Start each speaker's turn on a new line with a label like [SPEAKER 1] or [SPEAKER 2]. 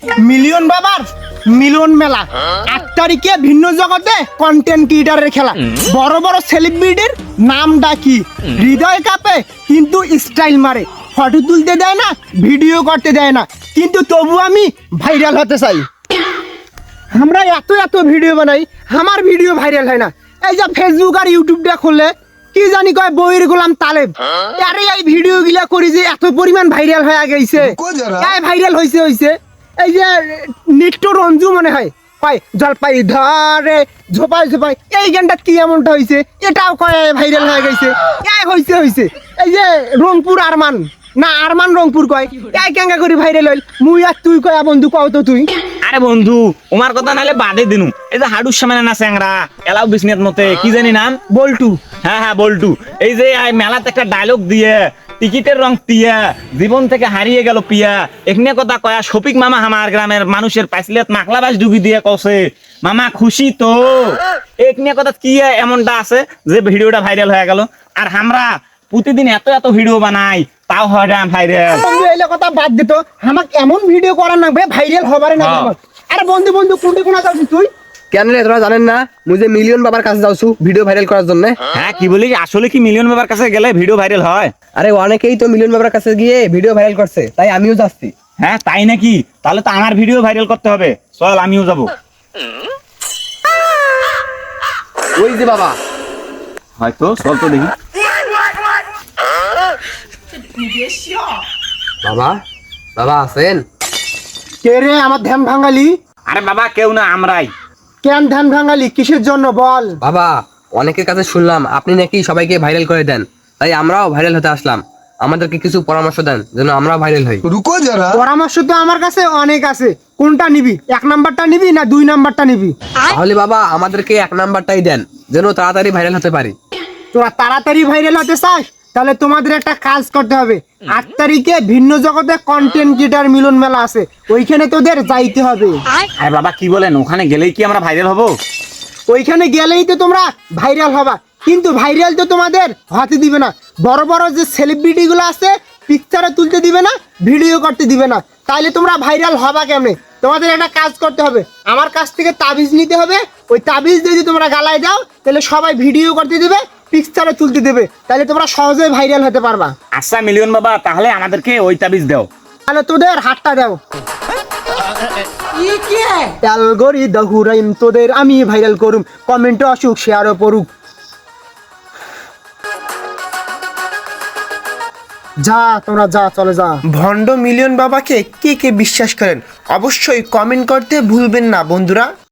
[SPEAKER 1] Million বাবার মিলন মেলা 8 তারিখে ভিন্ন জগতে কন্টেন্ট ক্রিয়েটরের খেলা। বড় বড় সেলিব্রিটির নাম ডাকি, হৃদয় কাঁপে কিন্তু স্টাইল মারে, ফটো তুলতে দেয় না, ভিডিও করতে দেয় না, কিন্তু তবু আমি ভাইরাল হতে চাই। আমরা এত এত ভিডিও বানাই, আমার ভিডিও ভাইরাল হয় না। এই যে ফেসবুক আর ইউটিউবটা খুললে কি জানি কয় বইয়ের গোলাম তালেব, আরে এই ভিডিও গুলা করি যে এত পরিমাণ ভাইরাল হয়ে গেছে। এই ভাইরাল হইছে এই যে নিট্টো রঞ্জু মনে হয় কয় জলপাই ধরে ঝোপাই ঝোপাই, এই গানটা কি এমনটা হইছে, এটাও কয় ভাইরাল হয়ে গেছে। এই হইছে এই যে রংপুর আরমান না আরমান রংপুর কয়, এই কেঙ্গা করে ভাইরাল হইল, মুই আর তুই কয় বন্ধু কও তো তুই।
[SPEAKER 2] আরে বন্ধু ওমার কথা নাইলে বাদে দিনু, এই যে হাডুর সামনে না চ্যাংরা এলাও বিসনেত মতে কি জানি নাম,
[SPEAKER 1] বল্টু।
[SPEAKER 2] হ্যাঁ বল্টু, এই যে মেলাতে একটা ডায়লগ দিয়ে টিকিটের রং টিয়া জীবন থেকে হারিয়ে গেল পিয়া, এখানে কথা কয়া শফিক মামা আমার গ্রামের মানুষের পাইসলেত মাখলাবাস ডুবি দিয়ে কছে মামা খুশি তো, এখানে কথা কি এমনটা আছে যে ভিডিওটা ভাইরাল হয়ে গেল। আর আমরা প্রতিদিন এত এত ভিডিও বানাই তাও হয় না ভাইরাল।
[SPEAKER 1] বন্ধু এইলে কথা বাদ দিত, আমাকে এমন ভিডিও করার না ভাইরাল হবারে না। আরে বন্ধু কোনটা কোনা যাচ্ছিস তুই?
[SPEAKER 3] কেন রে তোরা জানেন না মুই যে মিলিয়ন বাবার কাছে যাচ্ছু ভিডিও ভাইরাল করার জন্য?
[SPEAKER 2] হ্যাঁ কি বলি, আসলে কি মিলিয়ন বাবার কাছে গেলে ভিডিও ভাইরাল হয়?
[SPEAKER 3] আরে অনেকেই তো মিলিয়ন বাবার কাছে গিয়ে ভিডিও ভাইরাল করছে, তাই আমিও যাচ্ছি।
[SPEAKER 2] হ্যাঁ তাই নাকি? তাহলে তো আমার ভিডিও ভাইরাল করতে হবে, চল আমিও যাব।
[SPEAKER 3] ওই যে বাবা,
[SPEAKER 2] হয়তো চল তো দেখি।
[SPEAKER 3] বাবা বাবা আছেন?
[SPEAKER 1] কে রে আমার ধ্যান ভাঙালি?
[SPEAKER 2] আরে বাবা কেউ না, আমরাই।
[SPEAKER 1] কেন ধ্যান ভাঙালি, কিসের জন্য বল?
[SPEAKER 3] বাবা অনেকের কাছে শুনলাম আপনি নাকি সবাইকে ভাইরাল করে দেন, তাই আমরাও ভাইরাল হতে আসলাম। আমাদেরকে কিছু পরামর্শ দেন যেন আমরাও ভাইরাল হই।
[SPEAKER 1] পরামর্শ তো আমার কাছে অনেক আছে, কোনটা নিবি? 1 নাম্বারটা নিবি না 2 নাম্বারটা নিবি?
[SPEAKER 3] তাহলে বাবা আমাদেরকে 1 নাম্বারটাই দেন, যেন তাড়াতাড়ি ভাইরাল হতে পারি।
[SPEAKER 1] তোরা তাড়াতাড়ি ভাইরাল হতে চাস? তাহলে তোমাদের একটা কাজ করতে হবে। 8 তারিখে ভিন্ন জগতে কন্টেন্ট ক্রিয়েটর মিলন মেলা আছে, ওইখানে তোদের যাইতে হবে।
[SPEAKER 2] আরে বাবা কি বলেন, ওখানে গেলেই কি আমরা ভাইরাল হব?
[SPEAKER 1] ওইখানে গেলেই তো তোমরা ভাইরাল হবা, কিন্তু ভাইরাল তো তোমাদের হতে দিবে না। বড় বড় যে সেলিব্রিটি গুলো আছে পিকচারে তুলতে দিবে না, ভিডিও করতে দিবে না, তাইলে তোমরা ভাইরাল হবা কেমনে? তোমাদের একটা কাজ করতে হবে, আমার কাছ থেকে তাবিজ নিতে হবে। ওই তাবিজ যদি তোমরা গালায় দাও তাহলে সবাই ভিডিও করতে দিবে, পিকচারে তুলতে দেবে, তাহলে তোমরা সহজে ভাইরাল হতে পারবা।
[SPEAKER 2] আচ্ছা মিলিয়ন বাবা, তাহলে আমাদেরকে ওই তাবিজ দাও।
[SPEAKER 1] তাহলে তোদের হাতটা দাও। অ্যালগরিদম তোদের আমি ভাইরাল করুম, কমেন্টে আসুক, শেয়ারও পড়ুক। যা তোমরা যা, চলে যা। ভন্ড মিলিয়ন বাবাকে কে কে বিশ্বাস করেন অবশ্যই কমেন্ট করতে ভুলবেন না বন্ধুরা।